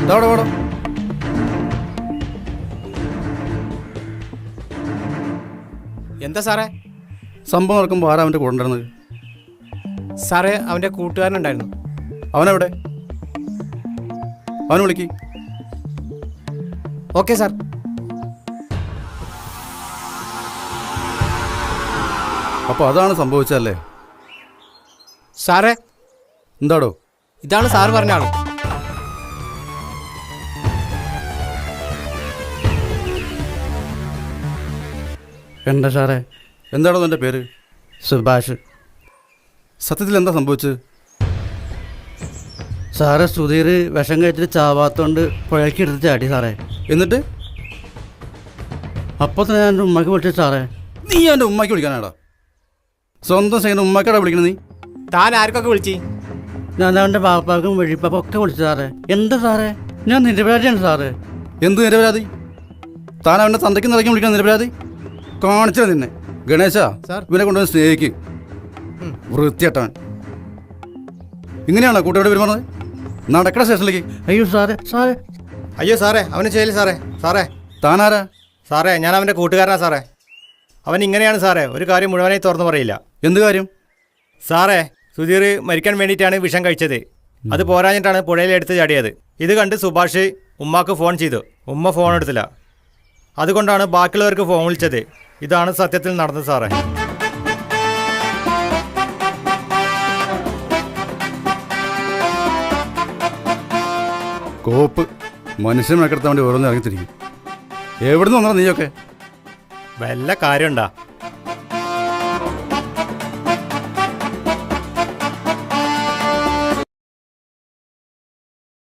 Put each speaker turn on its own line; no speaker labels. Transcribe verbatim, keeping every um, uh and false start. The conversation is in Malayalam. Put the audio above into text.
ഇതവിടെ വേടോ.
എന്താ സാറേ?
സംഭവം നടക്കുമ്പോൾ ആരാ അവൻ്റെ കൂടെ ഉണ്ടായിരുന്നത്?
സാറേ, അവൻ്റെ കൂട്ടുകാരനുണ്ടായിരുന്നു.
അവനെവിടെ? അവനെ വിളിക്ക്.
Okay sir.
അപ്പോൾ അതാണ് സംഭവിച്ചതല്ലേ?
സാറേ,
എന്താടോ?
ഇതാണ് സാറ് പറഞ്ഞ ആള്.
എന്താ സാറേ?
എന്താടോ നിൻ്റെ പേര്?
സുഭാഷ്.
സത്യത്തിൽ എന്താ സംഭവിച്ചത്?
സാറേ, സുധീർ വിഷം കഴിച്ചിട്ട് ചാവാത്തോണ്ട് പുഴയ്ക്ക് എടുത്ത് ചാടി സാറേ.
എന്നിട്ട്
അപ്പോൾ തന്നെ ഞാൻ എൻ്റെ ഉമ്മക്ക് വിളിച്ചു സാറേ.
നീ എൻ്റെ ഉമ്മയ്ക്ക് വിളിക്കാനാടാ? സ്വന്തം ചെയ്യുന്ന ഉമ്മക്കാടാ വിളിക്കണത് നീ?
താൻ ആർക്കൊക്കെ വിളിച്ച്?
ഞാൻ അവൻ്റെ പാപ്പാക്കും വെഴിപ്പാക്കും ഒക്കെ വിളിച്ചു സാറേ. എന്താ സാറേ? ഞാൻ നിരപരാധിയാണ് സാറേ.
എന്ത് നിരപരാധി? താൻ അവൻ്റെ തന്തയ്ക്ക് നിറയ്ക്ക് വിളിക്കണം നിരപരാധി? കാണിച്ചാ നിന്നെ. ഗണേശ, ഇവനെ കൊണ്ടുവന്ന് സ്നേഹിക്ക്. വൃത്തിയട്ടവൻ. ഇങ്ങനെയാണോ കൂട്ടുകാരോട് പെരുമാറുന്നത്? നടക്കണ സ്റ്റേഷനിലേക്ക്.
അയ്യോ സാറേ, സാറേ.
അയ്യോ സാറേ, അവന് ചെയ്യില്ല സാറേ. സാറേ,
താനാരാ?
സാറേ, ഞാൻ അവൻ്റെ കൂട്ടുകാരനാ സാറേ. അവൻ ഇങ്ങനെയാണ് സാറേ, ഒരു കാര്യം മുഴുവനായി തുറന്നു പറയില്ല.
എന്ത് കാര്യം?
സാറേ, സുധീർ മരിക്കാൻ വേണ്ടിയിട്ടാണ് വിഷം കഴിച്ചത്. അത് പോരാഞ്ഞിട്ടാണ് പുഴയിലെടുത്ത് ചാടിയത്. ഇത് കണ്ട് സുഭാഷ് ഉമ്മാക്ക് ഫോൺ ചെയ്തു. ഉമ്മ ഫോൺ എടുത്തില്ല. അതുകൊണ്ടാണ് ബാക്കിയുള്ളവർക്ക് ഫോൺ വിളിച്ചത്. ഇതാണ് സത്യത്തിൽ നടന്നത് സാറേ.
കോപ്പ് മനുഷ്യൻ മെക്കെടുത്താൻ വേണ്ടി ഓരോന്ന് ഇറങ്ങിത്തിരിക്കും. എവിടുന്ന് വന്നാ നീയൊക്കെ?
വല്ല കാര്യമുണ്ടാ?